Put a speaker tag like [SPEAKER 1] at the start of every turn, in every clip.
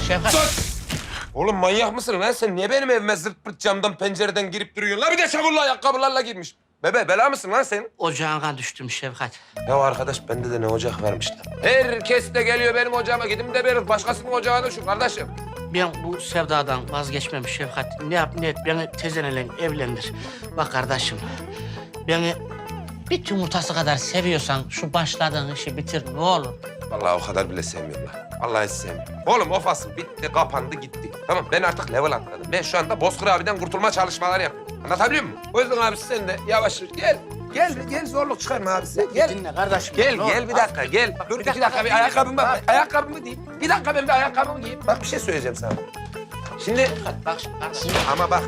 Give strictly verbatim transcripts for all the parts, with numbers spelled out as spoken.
[SPEAKER 1] Şefkat.
[SPEAKER 2] Sus! Oğlum manyak mısın lan sen? Niye benim evime zırt pırt camdan pencereden girip duruyorsun? La bir de çamurlu ayakkabılarla girmiş. Bebe bela mısın lan sen?
[SPEAKER 1] Ocağına düştüm Şefkat.
[SPEAKER 2] Ya arkadaş bende de ne ocak varmış lan. Herkes de geliyor benim ocağıma. Gidin de benim başkasının ocağına şu kardeşim.
[SPEAKER 1] Ben bu sevdadan vazgeçmem Şefkat. Ne yap ne et beni tezenle evlendir. Bak kardeşim, beni bir yumurtası kadar seviyorsan şu başladığın işi bitir ne olur.
[SPEAKER 2] Vallahi o kadar bile sevmiyorum lan. Vallahi hiç sevmiyorum. Oğlum o fasıl bitti, kapandı, gitti. Tamam ben artık level atladım. Ben şu anda Bozkır abiden kurtulma çalışmaları yapıyorum. Anlatabiliyor muyum? O yüzden abi sen de yavaş yürü. Gel. Gel, gel zorluk çıkarma abi sen. Gel.
[SPEAKER 1] Dinle kardeşim.
[SPEAKER 2] Gel,
[SPEAKER 1] ne
[SPEAKER 2] gel
[SPEAKER 1] olur.
[SPEAKER 2] bir dakika, gel. Dur iki dakika, bir ayakkabımı bak. Ayakkabımı giyeyim. Bir dakika ben bir ayakkabımı giyeyim. Bak bir şey söyleyeceğim sana. Şimdi,
[SPEAKER 1] Bak şimdi kardeşim.
[SPEAKER 2] ama bak.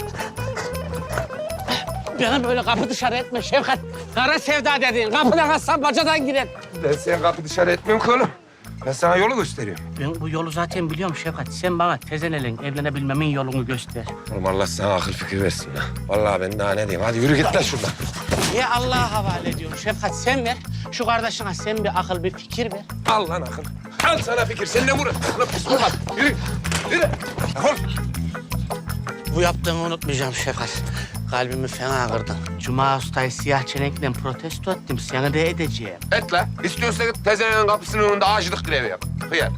[SPEAKER 1] Beni böyle kapı dışarı etme Şefkat. Kara sevda dediğin kapıdan atsan bacadan girer.
[SPEAKER 2] Ben seni kapı dışarı etmiyorum ki oğlum. Ben sana yolu gösteriyorum.
[SPEAKER 1] Ben bu yolu zaten biliyorum Şefkat. Sen bana tezenle evlenebilmemin yolunu göster.
[SPEAKER 2] Oğlum Allah sana akıl fikir versin lan. Vallahi ben daha ne diyeyim. Hadi yürü git lan şuradan.
[SPEAKER 1] Niye Allah'a havale ediyorum Şefkat? Sen ver. Şu kardeşine sen bir akıl, bir fikir ver.
[SPEAKER 2] Al lan akıl. Al sana fikir. Sen ne vurun? Lan pis vurma. Yürü. Yürü. Defol.
[SPEAKER 1] Bu yaptığımı unutmayacağım Şefkat. Kalbimi fena kırdın. Cuma Usta'yı siyah çenekle protesto ettim. Seni de edeceğim.
[SPEAKER 2] Et la. İstiyorsa git tezenenin kapısının önünde ağaçlık grevi yap. Hıyar.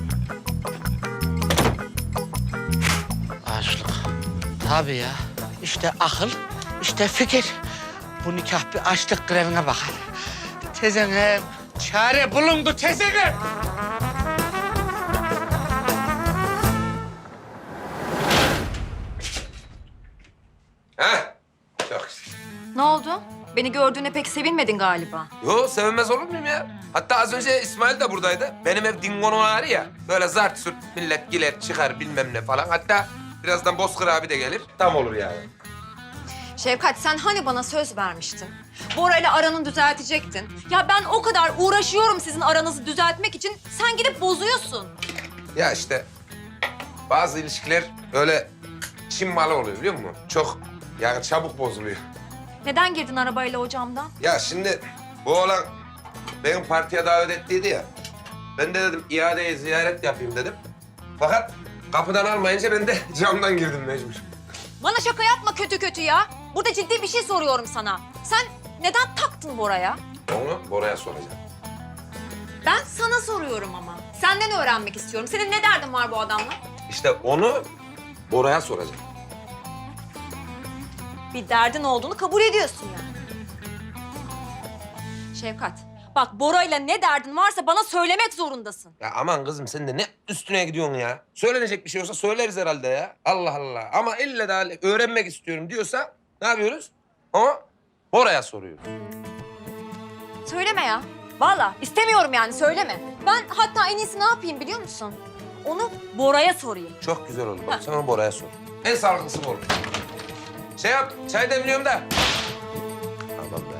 [SPEAKER 1] Açlık. Tabii ya. İşte akıl, işte fikir. Bu nikah bir açlık grevine bakar. Tezenem, çare bulundu tezenem.
[SPEAKER 2] Ha? Çok güzel.
[SPEAKER 3] Ne oldu? Beni gördüğüne pek sevinmedin galiba.
[SPEAKER 2] Yo sevinmez olur muyum ya? Hatta az önce İsmail de buradaydı. Benim ev dingonun ağrı ya. Böyle zart sürt millet giler çıkar bilmem ne falan. Hatta birazdan Bozkır abi de gelir. Tam olur yani.
[SPEAKER 3] Şefkat sen hani bana söz vermiştin? Bora ile aranı düzeltecektin. Ya ben o kadar uğraşıyorum sizin aranızı düzeltmek için. Sen gidip bozuyorsun.
[SPEAKER 2] Ya işte bazı ilişkiler öyle Çin malı oluyor biliyor musun? Çok yani çabuk bozuluyor.
[SPEAKER 3] Neden girdin arabayla o camdan?
[SPEAKER 2] Ya şimdi bu oğlan benim partiye davet ettiydi ya. Ben de dedim iadeye ziyaret yapayım dedim. Fakat kapıdan almayınca ben de camdan girdim mecbur.
[SPEAKER 3] Bana şaka yapma kötü kötü ya. Burada ciddi bir şey soruyorum sana. Sen neden taktın Bora'ya?
[SPEAKER 2] Onu Bora'ya soracağım.
[SPEAKER 3] Ben sana soruyorum ama. Senden öğrenmek istiyorum. Senin ne derdin var bu adamla?
[SPEAKER 2] İşte onu Bora'ya soracağım.
[SPEAKER 3] Bir derdin olduğunu kabul ediyorsun yani. Şefkat, bak Bora'yla ne derdin varsa bana söylemek zorundasın.
[SPEAKER 2] Ya aman kızım sen de ne üstüne gidiyorsun ya? Söylenecek bir şey olsa söyleriz herhalde ya. Allah Allah. Ama ille de öğrenmek istiyorum diyorsa ne yapıyoruz? Ama Bora'ya soruyoruz.
[SPEAKER 3] Söyleme ya. Vallahi istemiyorum yani söyleme. Ben hatta en iyisi ne yapayım biliyor musun? Onu Bora'ya sorayım.
[SPEAKER 2] Çok güzel olur. Bak sen onu Bora'ya sor. En sağlıklısı bu olur. Şey yap, çay demliyorum da. Tamam be.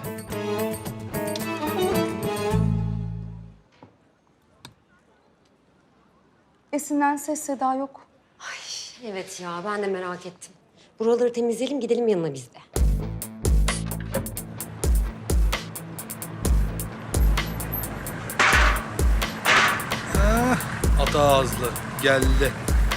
[SPEAKER 4] Esin'den ses seda yok.
[SPEAKER 5] Evet ya, ben de merak ettim. Buraları temizleyelim, gidelim yanına biz de.
[SPEAKER 6] Ata ağızlı geldi.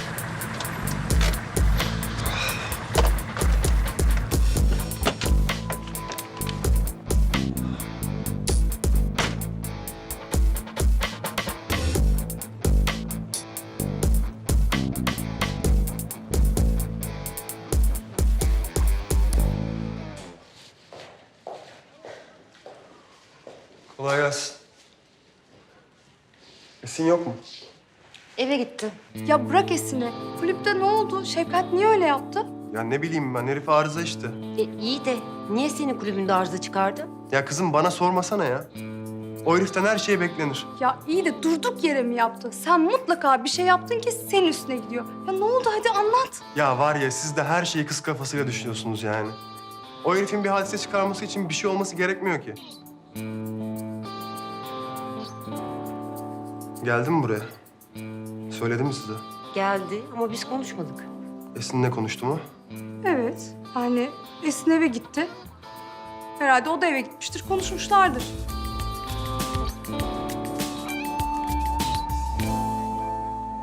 [SPEAKER 7] Kolay gelsin. Esin yok mu?
[SPEAKER 5] Eve gitti.
[SPEAKER 4] Ya bırak Esin'i. Kulüpte ne oldu? Şefkat niye öyle yaptı?
[SPEAKER 7] Ya ne bileyim ben, herif arıza işte.
[SPEAKER 5] E, iyi de niye senin kulübünde arıza çıkardı?
[SPEAKER 7] Ya kızım bana sormasana ya. O heriften her şey beklenir.
[SPEAKER 4] Ya iyi de durduk yere mi yaptı? Sen mutlaka bir şey yaptın ki senin üstüne gidiyor. Ya ne oldu hadi anlat.
[SPEAKER 7] Ya var ya, siz de her şeyi kız kafasıyla düşünüyorsunuz yani. O herifin bir hadise çıkarması için bir şey olması gerekmiyor ki. Geldin mi buraya? Söyledim mi size?
[SPEAKER 5] Geldi ama biz konuşmadık.
[SPEAKER 7] Esin'le konuştum o.
[SPEAKER 4] Evet yani Esin eve gitti. Herhalde o da eve gitmiştir, konuşmuşlardır.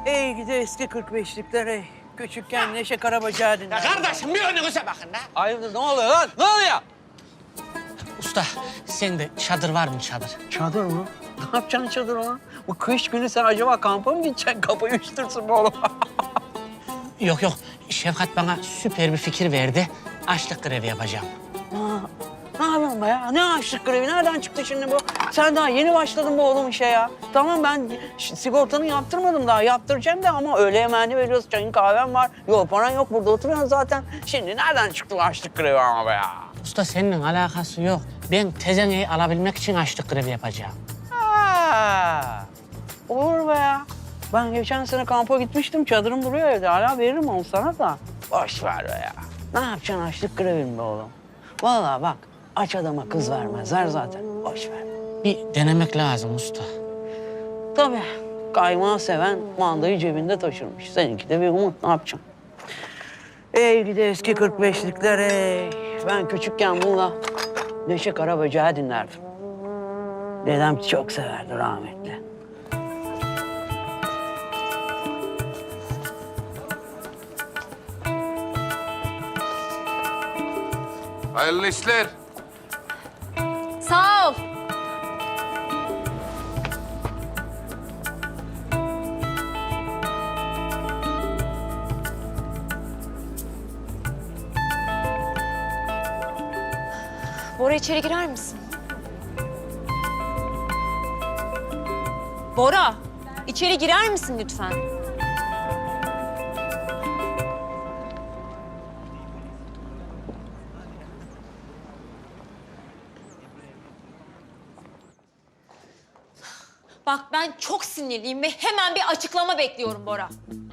[SPEAKER 8] Ey gidi eski kırk beşlikler ey. Küçükken Neşe Karabacağı dinler.
[SPEAKER 1] Ya kardeşim bir önünüze bakın da.
[SPEAKER 8] Hayırdır ne oluyor lan? Ne oluyor?
[SPEAKER 1] Usta sende çadır var mı çadır?
[SPEAKER 8] Çadır mı? Ne yapacaksın çadır ona? Bu kış günü sen acaba kampa mı gideceksin? Kafayı üşütürsün bu oğlum.
[SPEAKER 1] Yok yok Şefkat bana süper bir fikir verdi. Açlık grevi yapacağım.
[SPEAKER 8] Aa, ne yapıyorsun be ya? Ne açlık grevi? Nereden çıktı şimdi bu? Sen daha yeni başladın bu oğlum işe ya. Tamam ben ş- sigortanı yaptırmadım daha. Yaptıracağım da ama öğle yemeğini veriyoruz. Çayın kahven var. Yok paran yok. Burada oturuyorsun zaten. Şimdi nereden çıktı bu açlık grevi ama be ya?
[SPEAKER 1] Usta seninle alakası yok. Ben tezeneyi alabilmek için açlık grevi yapacağım.
[SPEAKER 8] Ha, olur be ya. Ben geçen sene kampa gitmiştim. Çadırım duruyor evde. Hala veririm onu sana da. Boş ver be ya. Ne yapacaksın açlık grevin be oğlum? Vallahi bak aç adama kız vermezler zaten. Boş ver.
[SPEAKER 1] Bir denemek lazım usta.
[SPEAKER 8] Tabii kaymağı seven mandayı cebinde taşırmış. Seninki de bir umut. Ne yapacaksın? Ey gidi eski kırk beşlikler ey. Ben küçükken bununla Neşe Karabacağı dinlerdim. Dedem çok severdi rahmetli.
[SPEAKER 2] Hayırlı işler.
[SPEAKER 3] Sağ ol. Bora içeri girer misin? Bora, içeri girer misin lütfen? Bak ben çok sinirliyim ve hemen bir açıklama bekliyorum Bora.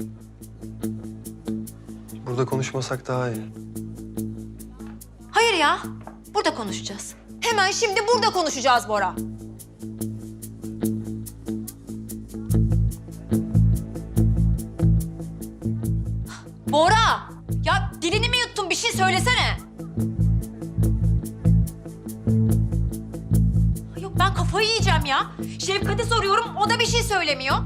[SPEAKER 7] Burada konuşmasak daha iyi.
[SPEAKER 3] Hayır ya, burada konuşacağız. Hemen şimdi burada konuşacağız Bora. Bora! Ya dilini mi yuttun? Bir şey söylesene. Yok ben kafayı yiyeceğim ya. Şefkat'e soruyorum, o da bir şey söylemiyor.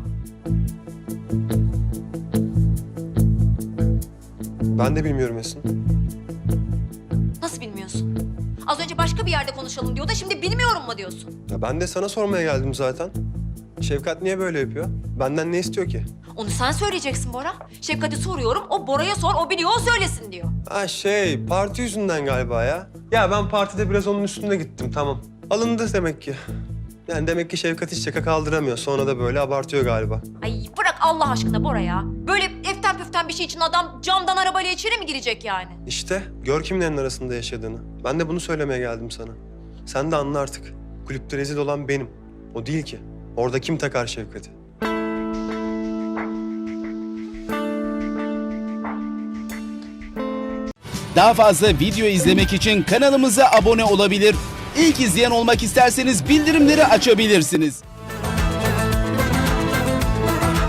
[SPEAKER 7] Ben de bilmiyorum Esin.
[SPEAKER 3] Nasıl bilmiyorsun? Az önce başka bir yerde konuşalım diyor da şimdi bilmiyorum mu diyorsun?
[SPEAKER 7] Ya ben de sana sormaya geldim zaten. Şefkat niye böyle yapıyor? Benden ne istiyor ki?
[SPEAKER 3] Onu sen söyleyeceksin Bora. Şefkat'e soruyorum, o Bora'ya sor, o biliyor, o söylesin diyor.
[SPEAKER 7] Ha şey, parti yüzünden galiba ya. Ya ben partide biraz onun üstüne gittim, tamam. Alındı demek ki. Yani demek ki Şefkat hiç şaka kaldıramıyor. Sonra da böyle abartıyor galiba.
[SPEAKER 3] Ay bırak Allah aşkına Bora ya. Böyle eften püften bir şey için adam camdan arabayla içeri mi girecek yani?
[SPEAKER 7] İşte gör kimlerin arasında yaşadığını. Ben de bunu söylemeye geldim sana. Sen de anla artık. Kulüpte rezil olan benim. O değil ki. Orada kim takar Şefkat'i?
[SPEAKER 9] Daha fazla video izlemek için kanalımıza abone olabilir. İlk izleyen olmak isterseniz bildirimleri açabilirsiniz.